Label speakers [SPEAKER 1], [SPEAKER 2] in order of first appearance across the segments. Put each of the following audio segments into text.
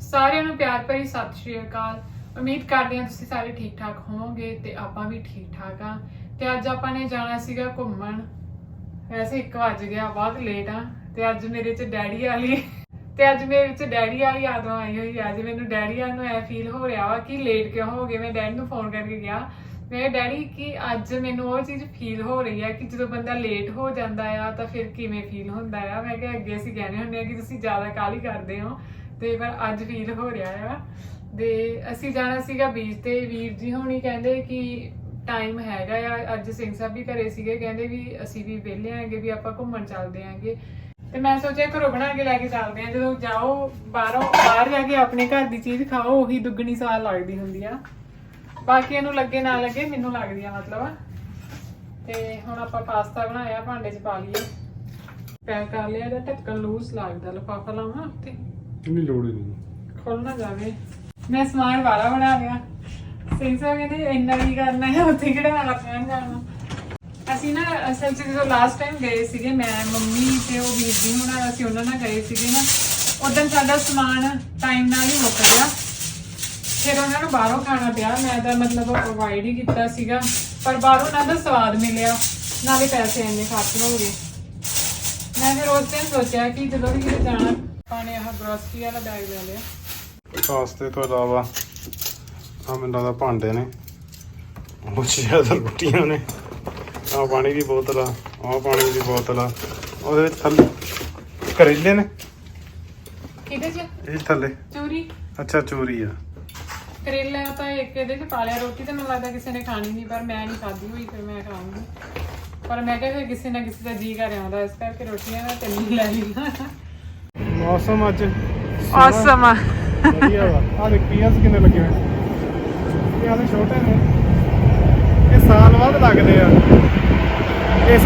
[SPEAKER 1] ਸਾਰਿਆਂ ਨੂੰ ਪਿਆਰ ਭਰੀ ਸਤਿ ਸ਼੍ਰੀ ਅਕਾਲ। ਉਮੀਦ ਕਰਦੇ ਹਾਂ ਤੁਸੀਂ ਸਾਰੇ ਠੀਕ ਠਾਕ ਹੋਵੋਗੇ ਤੇ ਆਪਾਂ ਵੀ ਠੀਕ ਠਾਕ ਆ। ਤੇ ਅੱਜ ਆਪਾਂ ਨੇ ਜਾਣਾ ਸੀਗਾ ਘੁੰਮਣ। ਵੈਸੇ 1 ਵਜ ਗਿਆ, ਬਹੁਤ ਲੇਟ ਆ। ਤੇ ਅੱਜ ਮੇਰੇ ਚ ਡੈਡੀ ਵਾਲੀ ਯਾਦ ਆਈ ਹੋਈ। ਅੱਜ ਮੈਨੂੰ ਡੈਡੀ ਵਾਲ ਨੂੰ ਐ ਫੀਲ ਹੋ ਰਿਹਾ ਵਾ ਕਿ ਲੇਟ ਕਿਉਂ ਹੋ ਗਏ। ਮੈਂ ਡੈਡੀ ਨੂੰ ਫੋਨ ਕਰਕੇ ਕਿਹਾ, ਮੈਂ ਡੈਡੀ ਕਿ ਅੱਜ ਮੈਨੂੰ ਉਹ ਚੀਜ਼ ਫੀਲ ਹੋ ਰਹੀ ਹੈ ਕਿ ਜਦੋਂ ਬੰਦਾ ਲੇਟ ਹੋ ਜਾਂਦਾ ਆ ਤਾਂ ਫਿਰ ਕਿਵੇਂ ਫੀਲ ਹੁੰਦਾ ਆ। ਮੈਂ ਕਿਹਾ ਅੱਗੇ ਅਸੀਂ ਕਹਿੰਦੇ ਹੁੰਦੇ ਆ ਕਿ ਤੁਸੀਂ ਜ਼ਿਆਦਾ ਕਾਹਲੀ ਕਰਦੇ ਹੋ, ਤੇ ਪਰ ਅੱਜ ਫੀਲ ਹੋ ਰਿਹਾ ਆ। ਤੇ ਅਸੀਂ ਜਾਣਾ ਸੀਗਾ ਬੀਚ ਤੇ। ਵੀਰ ਜੀ ਹੋਣੀ ਕਹਿੰਦੇ ਕਿ ਟਾਈਮ ਹੈਗਾ ਆ। ਅੱਜ ਸਿੰਘ ਸਾਹਿਬ ਵੀ ਘਰੇ ਸੀਗੇ, ਕਹਿੰਦੇ ਵੀ ਅਸੀਂ ਵੀ ਵਿਹਲੇ ਆਂਗੇ, ਵੀ ਆਪਾਂ ਘੁੰਮਣ ਚੱਲਦੇ ਆਂਗੇ। ਤੇ ਮੈਂ ਸੋਚਿਆ ਘਰੋਂ ਬਣਾ ਕੇ ਲੈ ਕੇ ਚੱਲਦੇ ਆ। ਜਦੋਂ ਜਾਓ ਬਾਹਰ ਜਾ ਕੇ ਆਪਣੇ ਘਰ ਦੀ ਚੀਜ਼ ਖਾਓ, ਉਹੀ ਦੁੱਗਣੀ ਸਵਾਦ ਲੱਗਦੀ ਹੁੰਦੀ ਆ। ਬਾਕੀਆਂ ਨੂੰ ਲੱਗੇ ਨਾ ਲੱਗੇ, ਮੈਨੂੰ ਲੱਗਦੀ ਆ ਮਤਲਬ। ਤੇ ਹੁਣ ਆਪਾਂ ਪਾਸਤਾ ਬਣਾਇਆ, ਭਾਂਡੇ 'ਚ ਪਾ ਲਈਏ। ਪੈਕ ਕਰ ਲਿਆ। ਇਹਦਾ ਢੱਕਣ ਲੂਜ਼ ਲੱਗਦਾ, ਲਿਫਾਫਾ ਲਾਵਾਂ ਉੱਤੇ?
[SPEAKER 2] ਨਹੀਂ ਲੋੜ ਹੀ ਨਹੀਂ,
[SPEAKER 1] ਖੋਲਣਾ ਜਾਵੇ। ਮੈਂ ਸਮਾਨ ਵਾਲਾ ਬਣਾ ਲਿਆ। ਸਿੰਘ ਸਾਹਿਬ ਕਹਿੰਦੇ ਇੰਨਾ ਕੀ ਕਰਨਾ ਹੈ, ਉੱਥੇ ਕਿਹੜਾ ਰੱਖਣਾ ਜਾਣਾ। ਅਸੀਂ ਨਾ ਅਸਲ 'ਚ ਜਦੋਂ ਲਾਸਟ ਟਾਈਮ ਗਏ ਸੀਗੇ, ਮੈਂ ਮੰਮੀ ਤੇ ਉਹ ਵੀਰ ਜੀ ਹੁਣ ਅਸੀਂ ਉਹਨਾਂ ਨਾਲ ਗਏ ਸੀਗੇ ਨਾ, ਉਦੋਂ ਸਾਡਾ ਸਮਾਨ ਟਾਈਮ ਨਾਲ ਹੀ ਮੁੱਕ ਗਿਆ। ਫਿਰ ਉਹਨਾਂ ਨੂੰ ਬਾਹਰੋਂ ਖਾਣਾ ਪਿਆ। ਮੈਂ ਤਾਂ ਮਤਲਬ ਅਵੋਇਡ ਹੀ ਕੀਤਾ ਸੀਗਾ, ਪਰ ਬਾਹਰੋਂ ਉਹਨਾਂ ਦਾ ਸਵਾਦ ਮਿਲਿਆ, ਨਾਲੇ ਪੈਸੇ ਇੰਨੇ ਖਰਚ ਹੋ ਗਏ। ਮੈਂ ਫਿਰ ਉਸ ਦਿਨ ਸੋਚਿਆ ਕਿ ਜਦੋਂ ਵੀ ਕਿਤੇ ਜਾਣਾ ਆਪਾਂ ਨੇ ਆਹ ਗਰੋਸਰੀ ਵਾਲਾ ਬੈਗ ਲੈ ਲਿਆ।
[SPEAKER 2] ਪਾਸਤੇ ਤੋਂ ਇਲਾਵਾ ਆ ਮੈਨੂੰ ਲੱਗਦਾ ਭਾਂਡੇ ਨੇ, ਉਹ ਜ਼ਿਆਦਾ ਰੋਟੀਆਂ ਨੇ, ਆਹ ਪਾਣੀ ਦੀ ਬੋਤਲ ਆ, ਆਹ ਪਾਣੀ ਦੀ ਬੋਤਲ ਆ, ਉਹਦੇ ਵਿੱਚ ਥੱਲੇ ਕਰੇਲੇ ਨੇ।
[SPEAKER 1] ਕਿਹਦੇ 'ਚ?
[SPEAKER 2] ਇਹ ਥੱਲੇ
[SPEAKER 1] ਚੂਰੀ।
[SPEAKER 2] ਅੱਛਾ ਚੋਰੀ ਆ।
[SPEAKER 1] ਕਰੇਲਾ ਤਾਂ ਇੱਕ ਇਹਦੇ 'ਚ ਪਾ ਲਿਆ। ਰੋਟੀ ਤਾਂ ਮੈਨੂੰ ਲੱਗਦਾ ਕਿਸੇ ਨੇ ਖਾਣੀ ਨਹੀਂ, ਪਰ ਮੈਂ ਨਹੀਂ ਖਾਧੀ ਹੋਈ, ਫਿਰ ਮੈਂ ਖਾਊਂਗੀ। ਪਰ ਮੈਂ ਕਿਹਾ ਫਿਰ ਕਿਸੇ ਨਾ ਕਿਸੇ ਦਾ ਜੀ ਕਰ ਆਉਂਦਾ, ਇਸ ਕਰਕੇ ਰੋਟੀਆਂ ਮੈਂ 3 ਲੈ ਲਈਆਂ।
[SPEAKER 2] ਮੌਸਮ ਅੱਜ
[SPEAKER 1] ਔਸਮ ਆ।
[SPEAKER 2] ਵਧੀਆ ਵਾ। ਆਹ ਦੇਖ ਪੀਆਸ ਕਿੰਨੇ ਲੱਗੇ ਹੋਏ। ਇਹ ਆਲੇ ਛੋਟੇ ਨੇ, ਇਹ ਸਾਲ ਬਾਅਦ ਲੱਗਦੇ ਆ। ਇਸ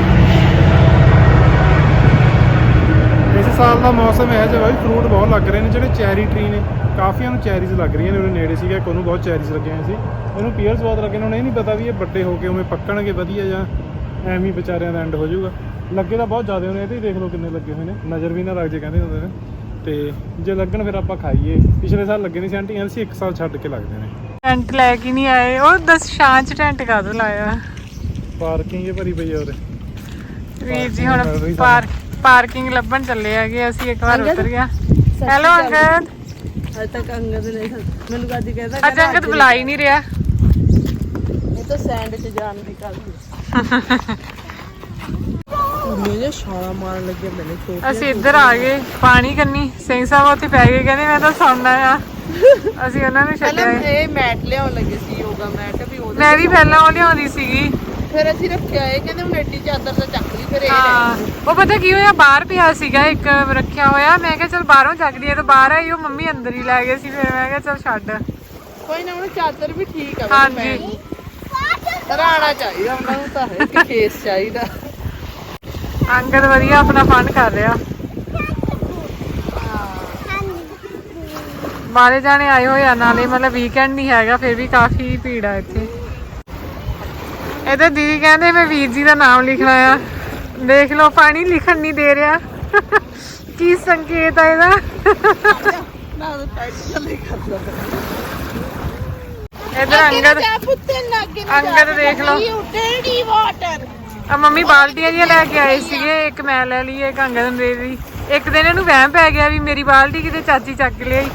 [SPEAKER 2] ਸਾਲ ਦਾ ਮੌਸਮ ਹੈ ਜਿਹਾ ਵੀ ਫਰੂਟ ਬਹੁਤ ਲੱਗ ਰਹੇ ਨੇ। ਜਿਹੜੇ ਚੈਰੀ ਟਰੀ ਨੇ, ਕਾਫੀਆਂ ਨੂੰ ਚੈਰੀਜ਼ ਲੱਗ ਰਹੀਆਂ ਨੇ। ਉਹਦੇ ਨੇੜੇ ਸੀਗਾ ਇੱਕ, ਉਹਨੂੰ ਬਹੁਤ ਚੈਰੀਜ਼ ਲੱਗੀਆਂ ਹੋਈਆਂ ਸੀ। ਇਹਨੂੰ ਪੀਅਰਸ ਬਹੁਤ ਲੱਗੇ ਨੇ। ਹੁਣ ਇਹ ਨਹੀਂ ਪਤਾ ਵੀ ਇਹ ਵੱਡੇ ਹੋ ਕੇ ਉਵੇਂ ਪੱਕਣਗੇ ਵਧੀਆ ਜਾਂ ਐਵੇਂ ਹੀ ਵਿਚਾਰਿਆਂ ਦਾ ਐਂਡ ਹੋ ਜਾਊਗਾ। ਲੱਗੇ ਤਾਂ ਬਹੁਤ ਜ਼ਿਆਦਾ ਹੋਣੇ। ਇਹਦੇ ਹੀ ਦੇਖ ਲਓ ਕਿੰਨੇ ਲੱਗੇ ਹੋਏ ਨੇ, ਨਜ਼ਰ ਵੀ ਨਾ ਲੱਗ ਜੇ ਕਹਿੰਦੇ ਹੁੰਦੇ ਨੇ। ਤੇ ਜੇ ਲੱਗਣ ਫਿਰ ਆਪਾਂ ਖਾਈਏ। ਪਿਛਲੇ ਸਾਲ ਲੱਗੇ ਨਹੀਂ ਸੀ, ਆਂਟੀ ਸੀ 1 ਸਾਲ ਛੱਡ ਕੇ ਲੱਗਦੇ ਨੇ। ਟੈਂਟ
[SPEAKER 1] ਲੈ ਕੇ ਨਹੀਂ ਆਏ ਉਹ? ਦੱਸ ਸ਼ਾਂ 'ਚ ਟੈਂਟ ਕਾਹਦੋਂ ਲਾਇਆ?
[SPEAKER 2] ਪਾਰਕਿੰਗ ਭਰੀ ਪਈ ਆ ਉਰੇ।
[SPEAKER 1] ਵੀਰ ਜੀ ਹੁਣ ਪਾਰਕਿੰਗ ਲੱਭਣ ਚੱਲੇ ਹੈਗੇ ਅਸੀਂ। ਇੱਕ ਵਾਰ ਉਤਰ ਗਿਆ। ਹੈਲੋ ਅੰਗਦ।
[SPEAKER 3] ਅੱਜ ਤੱਕ ਅੰਗਦ ਨੇ ਮੈਨੂੰ ਕਾਦੀ ਕਹਿੰਦਾ,
[SPEAKER 1] ਅੱਜ ਅੰਗਦ ਬੁਲਾ ਹੀ ਨਹੀਂ ਰਿਹਾ।
[SPEAKER 3] ਇਹ ਤਾਂ ਸੈਂਡ 'ਚ ਜਾਣ ਦੀ ਗੱਲ ਮੇਰੇ ਛਾਲਾ ਮਾਰਨ ਲੱਗੇ ਮੈਨੇ।
[SPEAKER 1] ਅਸੀਂ ਇੱਧਰ ਆ ਗਏ ਪਾਣੀ ਕੰਨੀ। ਸਿੰਘ ਸਾਹਿਬ ਉੱਥੇ ਪੈ ਗਏ, ਕਹਿੰਦੇ ਮੈਂ ਤਾਂ ਸੌਣਾ ਆ। ਅਸੀਂ ਉਹਨਾਂ ਨੂੰ ਛੱਡਿਆ।
[SPEAKER 3] ਇਹ ਮੈਟ ਲਿਆਉਣ ਲੱਗੇ ਸੀ, ਯੋਗਾ ਮੈਟ ਵੀ।
[SPEAKER 1] ਮੈਂ ਵੀ ਪਹਿਲਾਂ ਉਹ ਲਿਆਉਂਦੀ ਸੀਗੀ,
[SPEAKER 3] ਫਿਰ ਅਸੀਂ ਰੱਖਿਆ। ਇਹ ਕਹਿੰਦੇ ਹੁਣ ਐਡੀ ਚਾਦਰ ਤਾਂ ਚੱਕ ਲਈ। ਫਿਰ ਇਹ
[SPEAKER 1] ਉਹ ਪਤਾ ਕੀ ਹੋਇਆ, ਬਾਹਰ ਪਿਆ ਸੀਗਾ ਇੱਕ ਰੱਖਿਆ ਹੋਇਆ। ਮੈਂ ਕਿਹਾ ਚਲ ਬਾਹਰੋਂ ਚੱਕਦੀ ਆ, ਤੇ ਬਾਹਰ ਆਈ ਉਹ ਮੰਮੀ ਅੰਦਰ ਹੀ ਲੈ ਗਏ ਸੀ। ਫਿਰ ਮੈਂ ਕਿਹਾ ਚਲ ਛੱਡ,
[SPEAKER 3] ਕੋਈ ਨਾ। ਹੁਣ ਚਾਦਰ ਵੀ ਠੀਕ ਆ।
[SPEAKER 1] ਹਾਂਜੀ
[SPEAKER 3] ਰਾਣਾ ਚਾਹੀਦਾ ਉਹਨਾਂ ਨੂੰ, ਤਾਂ ਹੈ ਕਿ ਫੇਸ ਚਾਹੀਦਾ।
[SPEAKER 1] ਅੰਗਦ ਵਧੀਆ ਆਪਣਾ ਫਨ ਕਰ ਰਿਹਾ। ਬਾਰੇ ਜਾਣੇ ਆਏ ਹੋਏ ਆ, ਨਾਲੇ ਮਤਲਬ ਵੀਕਐਂਡ ਨਹੀਂ ਹੈਗਾ, ਫਿਰ ਵੀ ਕਾਫੀ ਭੀੜ ਆ ਇੱਥੇ। ਇਹਦੇ ਦੀਦੀ ਕਹਿੰਦੇ ਮੈਂ ਵੀਰ ਜੀ ਦਾ ਨਾਮ ਲਿਖਣਾ ਆ। ਦੇਖ ਲਓ ਪਾਣੀ ਲਿਖਣ ਨਹੀਂ ਦੇ ਰਿਹਾ। ਕੀ ਸੰਕੇਤ ਆ ਇਹਦਾ? ਇਧਰ ਅੰਗਦ ਦੇਖ ਲਓ। ਆ ਮੰਮੀ ਬਾਲਟੀਆਂ ਜਿਹੀਆਂ ਲੈ ਕੇ ਆਏ ਸੀਗੇ। ਇੱਕ ਮੈਂ ਲੈ ਲਈ, ਇੱਕ ਅੰਗਦ ਨੂੰ ਦੇ ਦਿੱਤੀ। ਇੱਕ ਦਿਨ ਇਹਨੂੰ ਵਹਿਮ ਪੈ ਗਿਆ ਵੀ ਮੇਰੀ ਬਾਲਟੀ ਕਿਤੇ ਚਾਚੀ ਚੱਕ ਲਿਆਈ।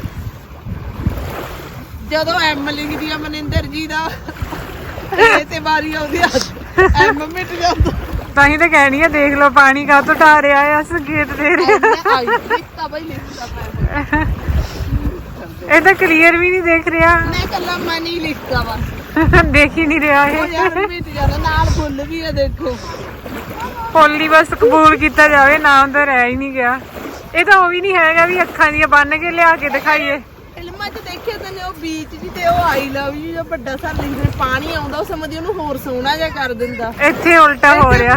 [SPEAKER 3] ਜਦੋਂ ਐਮ ਲਿਖਦੀ ਆ ਮਨਿੰਦਰ ਜੀ ਦਾ ਤੇ ਵਾਰੀ ਆਉਂਦੀ ਆ ਐਮ ਮਿਟ ਜਾਂਦਾ।
[SPEAKER 1] ਤਾਂ ਹੀ ਤਾਂ ਕਹਿਣੀ ਆ, ਦੇਖ ਲਓ ਪਾਣੀ ਕਾਹਤੋਂ ਢਾ ਰਿਹਾ ਆ, ਸੰਕੇਤ ਦੇ ਰਿਹਾ। ਇਹ ਤਾਂ ਕਲੀਅਰ ਵੀ ਨਹੀਂ ਦੇਖ ਰਿਹਾ।
[SPEAKER 3] ਮੈਂ ਕੱਲਾ ਮਨ ਹੀ ਲਿਖਦਾ ਵਾ,
[SPEAKER 1] ਦੇਖ ਹੀ ਨਹੀਂ ਰਿਹਾ ਇਹ।
[SPEAKER 3] ਯਾਰ ਮਿਟ ਜਾਂਦਾ। ਨਾਲ ਫੁੱਲ ਵੀ ਆ, ਦੇਖੋ।
[SPEAKER 1] ਹੋਲੀ ਬਸ ਕਬੂਲ ਕੀਤਾ ਜਾਵੇ, ਨਾਮ ਤਾਂ ਰਹਿ ਹੀ ਨਹੀਂ ਗਿਆ। ਇਹ ਤਾਂ ਉਹ ਵੀ ਨਹੀਂ ਹੈਗਾ ਵੀ ਅੱਖਾਂ ਦੀਆਂ ਬੰਨ ਕੇ ਲਿਆ ਕੇ ਦਿਖਾਈਏ।
[SPEAKER 3] ਫਿਲਮਾਂ 'ਚ ਦੇਖਿਆ ਤੈਨੇ ਉਹ ਬੀਚ ਜੀ ਤੇ ਉਹ ਆਈ ਲਵ ਯੂ ਜਾਂ ਵੱਡਾ ਸਾਰ ਲਿਖਦੇ ਪਾਣੀ ਆਉਂਦਾ, ਉਹ ਸਮਝਦੀ ਉਹਨੂੰ ਹੋਰ ਸੋਹਣਾ ਜਿਹਾ ਕਰ ਦਿੰਦਾ।
[SPEAKER 1] ਇੱਥੇ ਉਲਟਾ ਹੋ ਰਿਹਾ।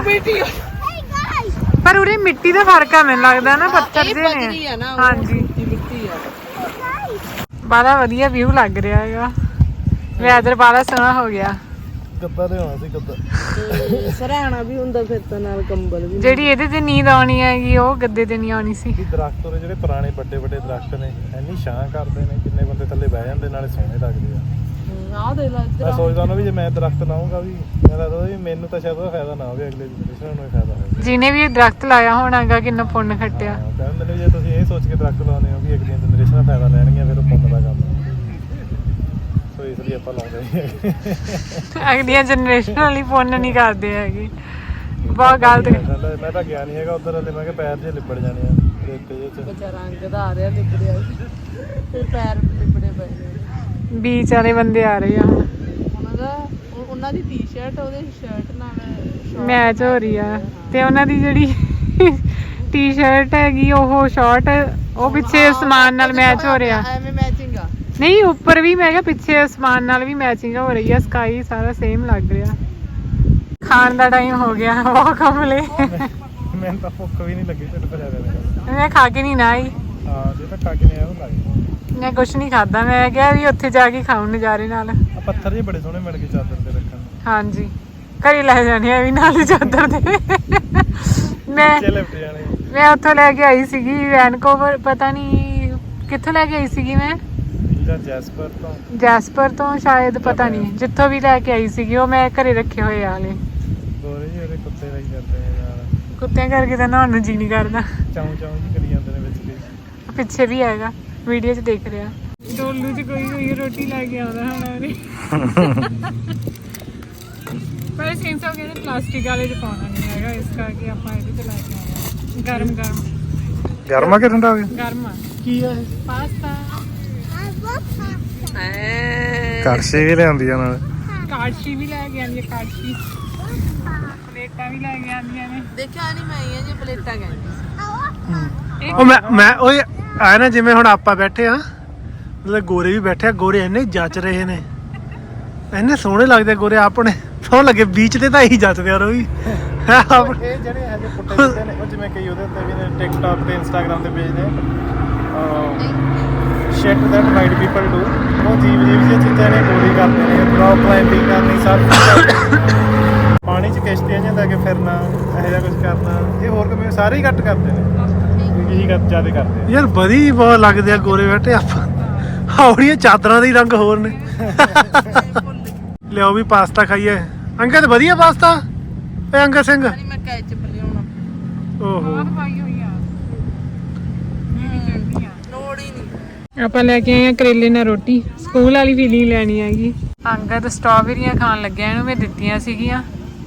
[SPEAKER 1] ਪਰ ਉਰੇ ਮਿੱਟੀ ਦਾ ਫਰਕ ਆ ਮੈਨੂੰ ਲੱਗਦਾ ਨਾ, ਪੱਥਰ ਜਿਹੇ ਨੇ। ਹਾਂਜੀ
[SPEAKER 3] ਮਿੱਟੀ ਆ।
[SPEAKER 1] ਬੜਾ ਵਧੀਆ ਵਿਊ ਲੱਗ ਰਿਹਾ ਹੈਗਾ। ਵੈਦਰ ਬੜਾ ਸੋਹਣਾ ਹੋ ਗਿਆ।
[SPEAKER 2] ਗੱਦਾ ਲਿਆਉਣਾ ਸੀ ਗੱਦਾ।
[SPEAKER 3] ਸਰਾਣਾ ਵੀ ਹੁੰਦਾ ਫਿਰ ਤਾਂ ਨਾਲ ਕੰਬਲ ਵੀ।
[SPEAKER 1] ਜਿਹੜੀ ਇਹਦੇ ਤੇ ਨੀਂਦ ਆਉਣੀ ਹੈਗੀ ਉਹ ਗੱਦੇ ਤੇ ਨਹੀਂ ਆਉਣੀ ਸੀ।
[SPEAKER 2] ਦਰਖਤ ਉਹਦੇ ਜਿਹੜੇ ਪੁਰਾਣੇ ਵੱਡੇ ਵੱਡੇ ਦਰਖਤ ਨੇ ਇੰਨੀ ਛਾਂ ਕਰਦੇ ਨੇ, ਕਿੰਨੇ ਬੰਦੇ ਥੱਲੇ ਬਹਿ ਜਾਂਦੇ, ਨਾਲੇ ਸੋਹਣੇ ਲੱਗਦੇ ਆ।
[SPEAKER 3] ਆਹ ਦੇ ਲਾ
[SPEAKER 2] ਮੈਂ ਸੋਚਦਾ ਨਾ ਵੀ ਜੇ ਮੈਂ ਦਰਖਤ ਲਾਉਂਗਾ ਵੀ ਮੈਂ ਲੱਗਦਾ ਵੀ ਮੈਨੂੰ ਤਾਂ ਸ਼ਾਇਦ ਉਹਦਾ ਫਾਇਦਾ ਨਾ ਹੋਵੇ, ਅਗਲੇ ਜਨਰੇਸ਼ਨ ਨੂੰ ਹੀ ਫਾਇਦਾ ਹੋਵੇ।
[SPEAKER 1] ਜਿਹਨੇ ਵੀ ਇਹ ਦਰਖਤ ਲਾਇਆ ਹੋਣਾਗਾ ਕਿੰਨਾ ਪੁੰਨ ਖੱਟਿਆ।
[SPEAKER 2] ਕਹਿੰਦੇ ਨੇ ਜੇ ਤੁਸੀਂ ਇਹ ਸੋਚ ਕੇ ਦਰਖਤ ਲਾਉਂਦੇ ਹੋ ਵੀ ਅਗਲੀਆਂ ਜਨਰੇਸ਼ਨਾਂ ਫਾਇਦਾ ਲੈਣਗੀਆਂ, ਫਿਰ ਉਹ ਪੁੰਨ ਦਾ ਕੰਮ ਹੈ। ਸੋ ਇਸ ਲਈ ਆਪਾਂ ਲਾਉਂਦੇ ਨਹੀਂ।
[SPEAKER 1] ਅਗਲੀਆਂ ਜਨਰੇਸ਼ਨ ਵਾਲੀ ਪੁੰਨ ਨਹੀਂ ਕਰਦੇ ਹੈਗੇ, ਬਹੁਤ ਗਲਤ।
[SPEAKER 2] ਮੈਂ ਤਾਂ ਗਿਆ ਨਹੀਂ ਹੈਗਾ ਉਧਰ ਹਲੇ, ਮੈਂ ਕਿਹਾ ਪੈਰ ਜੇ ਲਿਬੜ ਜਾਣੇ ਆ ਰੇਤੇ ਜਿਹੇ ਚ।
[SPEAKER 3] ਬੱਚਾ ਰੰਗ ਦਾ ਆ ਰਿਹਾ ਲਿਬੜਿਆ, ਫਿਰ ਪੈਰ ਲਿਬੜੇ ਪਏ ਨੇ।
[SPEAKER 1] ਬੀਚ ਵਾਲੇ ਬੰਦੇ ਆ ਰਹੇ ਆ ਹੁਣ।
[SPEAKER 3] ਉਹਨਾਂ ਦੀ ਟੀ-ਸ਼ਰਟ ਉਹਦੇ ਸ਼ਰਟ ਨਾਲ
[SPEAKER 1] ਮੈਚ ਹੋ ਰਹੀ ਆ, ਤੇ ਉਹਨਾਂ ਦੀ ਜਿਹੜੀ ਟੀ-ਸ਼ਰਟ ਹੈਗੀ ਉਹ ਸ਼ਾਰਟ, ਉਹ ਪਿੱਛੇ ਅਸਮਾਨ ਨਾਲ ਮੈਚ ਹੋ ਰਿਹਾ।
[SPEAKER 3] ਐਵੇਂ ਮੈਚਿੰਗ ਆ
[SPEAKER 1] ਨਹੀਂ, ਉੱਪਰ ਵੀ ਮੈਂ ਕਿਹਾ ਪਿੱਛੇ ਅਸਮਾਨ ਨਾਲ ਵੀ ਮੈਚਿੰਗ ਹੋ ਰਹੀ ਆ, ਸਕਾਈ ਸਾਰਾ ਸੇਮ ਲੱਗ ਰਿਹਾ। ਖਾਣ ਦਾ ਟਾਈਮ ਹੋ ਗਿਆ, ਉਹ ਕਮਲੇ।
[SPEAKER 2] ਮੈਨੂੰ ਤਾਂ ਭੁੱਖ ਵੀ ਨਹੀਂ ਲੱਗੀ, ਢਿੱਡ ਭਰਿਆ ਰਿਹਾ।
[SPEAKER 1] ਮੈਂ ਖਾ ਕੇ ਨਹੀਂ ਨਾ ਆਈ।
[SPEAKER 2] ਹਾਂ ਜੇ ਤਾਂ ਖਾ ਕੇ ਨਹੀਂ ਆਇਆ ਉਹ ਲੱਗ।
[SPEAKER 1] ਮੈਂ ਕੁਛ ਨਹੀਂ ਖਾਦਾ, ਮੈਂ ਕਿਹਾ ਵੀ ਉੱਥੇ ਜਾ ਕੇ ਖਾਉਂ ਨਜ਼ਾਰੇ ਨਾਲ।
[SPEAKER 2] ਆ ਪੱਥਰ ਜਿਹੇ ਬੜੇ ਸੋਹਣੇ ਮਿਲ ਗਏ ਚਾਦਰ ਤੇ ਰੱਖਣ ਨੂੰ।
[SPEAKER 1] ਹਾਂਜੀ, ਘਰੇ ਲੈ ਜਾਣੇ ਆ ਵੀ ਨਾਲ ਚਾਦਰ ਦੇ। ਮੈਂ ਉੱਥੋਂ ਲੈ ਕੇ ਆਈ ਸੀਗੀ ਵੈਨਕੂਵਰ, ਪਤਾ ਨਹੀਂ ਕਿੱਥੋਂ ਲੈ ਕੇ ਆਈ ਸੀਗੀ ਮੈਂ, ਜੈਸਪਰ ਤੋਂ ਸ਼ਾਇਦ, ਪਤਾ ਨਹੀਂ ਜਿੱਥੋਂ ਵੀ ਲੈ ਕੇ ਆਈ ਸੀਗੀ। ਉਹ ਮੈਂ ਘਰੇ ਰੱਖੇ ਹੋਏ ਆ ਹਲੇ।
[SPEAKER 2] ਗੋਰੇ ਜਿਹੇ ਉਹਦੇ ਕੁੱਤੇ ਲਈ ਜਾਂਦੇ ਨੇ ਯਾਰ,
[SPEAKER 1] ਕੁੱਤਿਆਂ ਕਰਕੇ ਤਾਂ ਨਹਾਉਣ ਨੂੰ ਜੀ ਨਹੀਂ ਕਰਦਾ।
[SPEAKER 2] ਚਾਉਂ ਚਾਉਂ ਜੀ ਕਰੀ ਜਾਂਦੇ ਨੇ ਵਿੱਚ ਦੀ।
[SPEAKER 1] ਪਿੱਛੇ ਵੀ ਹੈਗਾ, ਵੀਡੀਓ 'ਚ ਦੇਖ ਰਿਹਾ। ਡੋਲੂ 'ਚ ਕੋਈ ਰੋਟੀ ਲੈ ਕੇ ਆਉਂਦਾ ਹੁਣ। ਪਰ ਸਿੰਸ ਹੋ ਗਏ ਪਲਾਸਟਿਕ ਵਾਲੇ 'ਚ ਪਾਉਣਾ ਨਹੀਂ ਹੈਗਾ, ਇਸ ਕਰਕੇ ਆਪਾਂ ਇਹਦੇ 'ਚ ਲੈ ਕੇ ਆਉਂਦੇ। ਗਰਮ
[SPEAKER 2] ਗਰਮਾ ਕਿ ਠੰਡਾ ਹੋ ਗਿਆ?
[SPEAKER 1] ਗਰਮ ਆ।
[SPEAKER 2] ਕੀ ਆ
[SPEAKER 1] ਪਾਸਤਾ।
[SPEAKER 2] ਕੜਛੀ ਵੀ ਲਿਆਂਦੀ ਆ ਨਾਲ।
[SPEAKER 1] ਕਾੜਸ਼ੀ ਵੀ ਲੈ ਕੇ ਆਉਂਦੀ ਹੈ, ਕਾੜਸ਼ੀ। ਪਲੇਟਾਂ ਵੀ ਲੈ ਕੇ ਆਉਂਦੀਆਂ ਨੇ।
[SPEAKER 3] ਦੇਖਿਆ ਨਹੀਂ ਮੈਂ ਇਹ ਜੇ ਪਲੇਟਾਂ ਕਹਿੰਦੀ।
[SPEAKER 2] ਉਹ ਮੈਂ ਓਏ ਆਇਆ ਨਾ, ਜਿਵੇਂ ਹੁਣ ਆਪਾਂ ਬੈਠੇ ਆ, ਮਤਲਬ ਗੋਰੇ ਵੀ ਬੈਠੇ ਆ। ਗੋਰੇ ਇੰਨੇ ਜੱਚ ਰਹੇ ਨੇ, ਇੰਨੇ ਸੋਹਣੇ ਲੱਗਦੇ ਗੋਰੇ। ਆਪਣੇ ਸੋਹਣ ਲੱਗੇ ਬੀਚ ਤੇ ਤਾਂ ਇਹੀ ਜੱਚਦੇ ਆ ਰੋਈ। ਇਹ ਜਿਹੜੇ ਹਜੇ ਪੁੱਟੇ ਜਾਂਦੇ ਨੇ, ਉਹ ਜਿਵੇਂ ਕਈ ਉਹਦੇ ਉੱਤੇ ਵੀ ਨੇ ਟਿਕਟੌਕ ਤੇ ਇੰਸਟਾਗ੍ਰਾਮ ਤੇ ਪੇਜ ਨੇ, shit that white people do. ਉਹ ਜੀਵ ਜਿਹੀ ਚੀਜ਼ਾਂ ਨੇ ਗੋਰੀ ਕਰਦੇ ਨੇ, ਰੌਕ ਕਲਾਈਮਬਿੰਗ ਕਰਨੀ, ਸਭ ਪਾਣੀ 'ਚ ਕਿਸ਼ਤੀਆਂ 'ਚ ਲੈ ਕੇ ਫਿਰਨਾ, ਇਹੋ ਜਿਹਾ ਕੁਝ ਕਰਨਾ। ਇਹ ਹੋਰ ਕੰਮ ਸਾਰੇ ਹੀ ਘੱਟ ਕਰਦੇ ਨੇ, ਇਹੀ ਜ਼ਿਆਦਾ ਕਰਦੇ ਯਾਰ। ਵਧੀਆ ਬਹੁਤ ਲੱਗਦੇ ਆ ਗੋਰੇ ਬੈਠੇ। ਆਪਾਂ ਹੌੜੀਆਂ ਚਾਦਰਾਂ ਦੇ ਰੰਗ ਹੋਰ ਨੇ। ਲਿਆਓ ਵੀ ਪਾਸਤਾ ਖਾਈਏ। ਅੰਕਲ ਵਧੀਆ ਪਾਸਤਾ ਇਹ ਅੰਕਲ ਸਿੰਘ।
[SPEAKER 3] ਮੈਂ ਕੈਚਅਪ ਲਿਆਉਣਾ।
[SPEAKER 2] ਓਹੋ
[SPEAKER 1] ਪਾਈ ਹੋਈ ਆ,
[SPEAKER 3] ਲੋੜ ਹੀ ਨਹੀਂ।
[SPEAKER 1] ਆਪਾਂ ਲੈ ਕੇ ਆਏ ਆ ਕਰੇਲੇ ਨਾਲ ਰੋਟੀ। ਸਕੂਲ ਵਾਲੀ ਫੀਲਿੰਗ ਲੈਣੀ ਹੈਗੀ। ਅੰਗਦ ਸਟ੍ਰਾਬੇਰੀਆਂ ਖਾਣ ਲੱਗਿਆ, ਇਹਨੂੰ ਮੈਂ ਦਿੱਤੀਆਂ ਸੀਗੀਆਂ,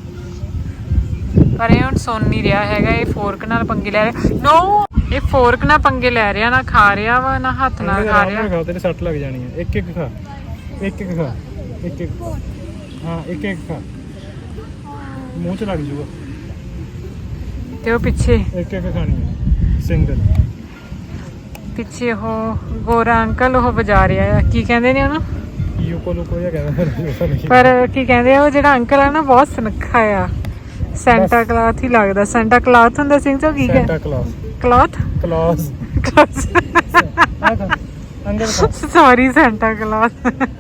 [SPEAKER 1] ਪਰ ਇਹ ਹੁਣ ਸੁਣ ਨਹੀਂ ਰਿਹਾ ਹੈਗਾ। ਇਹ ਫੋਰਕ ਨਾਲ ਪੰਗੇ ਲੈ ਰਿਹਾ। ਨੋ, ਇਹ ਫੋਰਕ ਨਾਲ ਪੰਗੇ ਲੈ ਰਿਹਾ, ਨਾ ਖਾ ਰਿਹਾ ਵਾ ਨਾ ਹੱਥ ਨਾਲ ਖਾ ਰਿਹਾ।
[SPEAKER 2] ਤੇਰੇ ਸੱਟ ਲੱਗ ਜਾਣੀ ਹੈ। ਇੱਕ ਇੱਕ ਖਾ, ਇੱਕ ਇੱਕ ਖਾ, ਇੱਕ ਇੱਕ। ਹਾਂ ਇੱਕ ਇੱਕ ਖਾ, ਮੂੰਹ 'ਚ ਲੱਗ ਜੂਗਾ।
[SPEAKER 1] ਤੇ ਉਹ ਪਿੱਛੇ
[SPEAKER 2] ਇੱਕ ਇੱਕ ਖਾਣੀ ਹੈ ਸਿੰਗਲ।
[SPEAKER 1] ਪਿੱਛੇ ਉਹ ਗੋਰਾ ਅੰਕਲ ਉਹ ਵਜਾ ਰਿਹਾ ਆ, ਕੀ ਕਹਿੰਦੇ ਨੇ ਉਹਨੂੰ?
[SPEAKER 2] ਯੂਕੋ ਲੂਕੋ ਜਿਹਾ ਕਹਿੰਦਾ।
[SPEAKER 1] ਪਰ ਕੀ ਕਹਿੰਦੇ ਆ ਉਹ ਜਿਹੜਾ ਅੰਕਲ ਆ ਨਾ, ਬਹੁਤ ਸੁਨੱਖਾ ਆ। ਸੈਂਟਾ ਕਲਾਥ ਹੀ ਲੱਗਦਾ। ਸੈਂਟਾ ਕਲਾਥ ਹੁੰਦਾ ਸਿੰਘ ਤੋਂ ਕੀ ਹੈ?
[SPEAKER 2] Santa Claus.
[SPEAKER 1] Cloth
[SPEAKER 2] Claus. ਅੰਦਰ
[SPEAKER 1] ਸੌਰੀ, ਸੈਂਟਾ ਕਲਾਥ।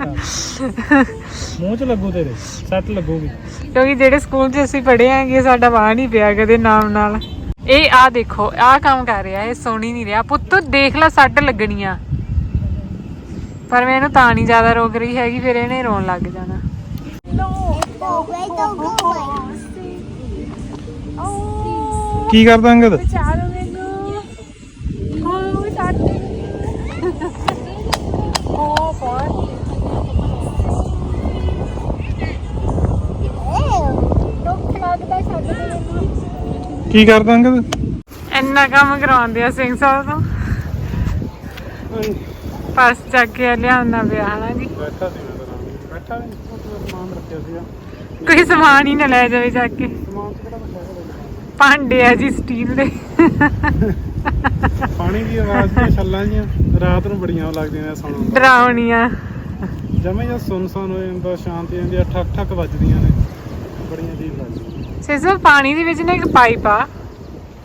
[SPEAKER 2] ਮੂੰਹ 'ਚ ਲੱਗੂ, ਤੇਰੇ ਸੱਟ ਲੱਗੂਗੀ।
[SPEAKER 1] ਕਿਉਂਕਿ ਜਿਹੜੇ ਸਕੂਲ 'ਚ ਅਸੀਂ ਪੜ੍ਹੇ ਆਂਗੇ, ਸਾਡਾ ਵਾਹ ਨਹੀਂ ਪਿਆ ਕਦੇ ਨਾਮ ਨਾਲ। ਇਹ ਆ ਦੇਖੋ, ਆਹ ਕੰਮ ਕਰ ਰਿਹਾ, ਇਹ ਸੋਣੀ ਨਹੀਂ ਰਿਹਾ। ਪੁੱਤ ਦੇਖ ਲੈ, ਸੱਟ ਲੱਗਣੀ ਆ। ਪਰ ਮੈਂ ਇਹਨੂੰ ਤਾਂ ਨਹੀਂ ਜ਼ਿਆਦਾ ਰੋਕ ਰਹੀ ਹੈਗੀ, ਫਿਰ ਇਹਨੇ ਰੋਣ ਲੱਗ ਜਾਣਾ।
[SPEAKER 2] ਕੀ ਕਰਦਾ ਅੰਗਦ? ਕੀ ਕਰਦਾ ਅੰਗਦ?
[SPEAKER 1] ਇੰਨਾ ਕੰਮ ਕਰਵਾਉਂਦੇ ਆ ਸਿੰਘ ਸਾਹਿਬ ਤੋਂ। ਪਰਸ ਚੱਕ ਕੇ ਲਿਆਉਣਾ ਪਿਆ ਹਨਾ ਜੀ।
[SPEAKER 2] ਬੈਠਾ ਸੀ ਮੈਂ, ਬੈਠਾ ਨਹੀਂ, ਸਮਾਨ ਰੱਖਿਆ ਸੀਗਾ।
[SPEAKER 1] ਕੋਈ ਸਮਾਨ ਹੀ ਨਾ ਲੈ ਜਾਵੇ ਚੱਕ ਕੇ।
[SPEAKER 2] ਸਮਾਨ ਤੇ ਕਿਹੜਾ ਬੈਠਾ
[SPEAKER 1] ਭਾਂਡੇ ਆ ਜੀ ਸਟੀਲ ਦੇ।
[SPEAKER 2] ਪਾਣੀ ਦੀ ਆਵਾਜ਼ ਦੀਆਂ ਛੱਲਾਂ ਜੀਆਂ ਰਾਤ ਨੂੰ ਬੜੀਆਂ ਲੱਗਦੀਆਂ ਨੇ ਸੁਣਨ ਨੂੰ।
[SPEAKER 1] ਡਰਾਉਣੀਆਂ।
[SPEAKER 2] ਜਮੇ ਜਾਂ ਸੁੰਨਸਾਨ ਹੋ ਜਾਂਦਾ, ਸ਼ਾਂਤੀ ਜਾਂਦੀ ਆ, ਠੱਕ ਠੱਕ ਵੱਜਦੀਆਂ ਨੇ, ਬੜੀਆਂ ਅਜੀਬ ਲੱਗਦੀਆਂ।
[SPEAKER 1] ਸਿਰਫ ਪਾਣੀ ਦੇ ਵਿੱਚ ਨਾ ਇੱਕ ਪਾਈਪ ਆ,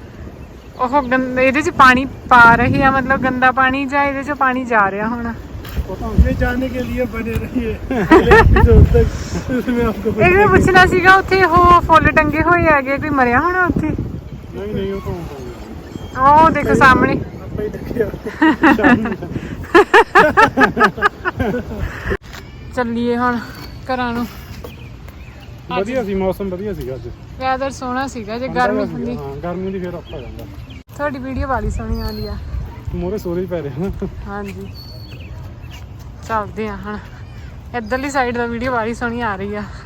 [SPEAKER 1] ਉਹ ਇਹਦੇ 'ਚ ਪਾਣੀ ਪਾ ਰਹੀ ਆ, ਮਤਲਬ ਗੰਦਾ ਪਾਣੀ, ਜਾਂ ਇਹਦੇ 'ਚ ਪਾਣੀ ਜਾ ਰਿਹਾ ਹੁਣ।
[SPEAKER 2] ये जानने के लिए बने रहिए अगले एपिसोड तक, उसमें आपको
[SPEAKER 1] ਇਹ ਪੁੱਛਣਾ ਸੀਗਾ ਉੱਥੇ ਉਹ ਫੁੱਲ ਟੰਗੇ ਹੋਏ ਹੈਗੇ, ਕੋਈ ਮਰਿਆ ਹੋਣਾ ਉੱਥੇ?
[SPEAKER 2] नहीं नहीं वो तो होगा
[SPEAKER 1] ਉਹ ਦੇਖੋ ਸਾਹਮਣੇ।
[SPEAKER 2] आपा ही देखिए
[SPEAKER 1] ਚੱਲੀਏ ਹੁਣ ਘਰਾਂ ਨੂੰ।
[SPEAKER 2] ਵਧੀਆ ਸੀ ਮੌਸਮ, ਵਧੀਆ ਸੀਗਾ ਅੱਜ,
[SPEAKER 1] ਵੈਦਰ ਸੋਹਣਾ ਸੀਗਾ। ਜੇ
[SPEAKER 2] ਠੰਡਾ
[SPEAKER 1] ਗਰਮੀ
[SPEAKER 2] ਜਿਹਾ
[SPEAKER 1] ਹੁੰਦੀ
[SPEAKER 2] ਸੀਗਾ, ਹਾਂ ਗਰਮੀ ਦੀ ਫੇਰ ਔਖਾ ਹੋ ਜਾਂਦਾ।
[SPEAKER 1] ਤੁਹਾਡੀ ਵੀਡੀਓ ਵਾਲੀ ਸੋਹਣੀ ਆਉਂਦੀ ਆ।
[SPEAKER 2] ਮੋਰੇ ਸੋਰੇ ਪੈ ਰਹੇ ਹਨ।
[SPEAKER 1] ਹਾਂਜੀ ਚੱਲਦੇ ਆ ਹੁਣ। ਇੱਧਰਲੀ ਸਾਈਡ ਦਾ ਵੀਡੀਓ ਵਾਲੀ ਸੋਹਣੀ ਆ ਰਹੀ ਆ।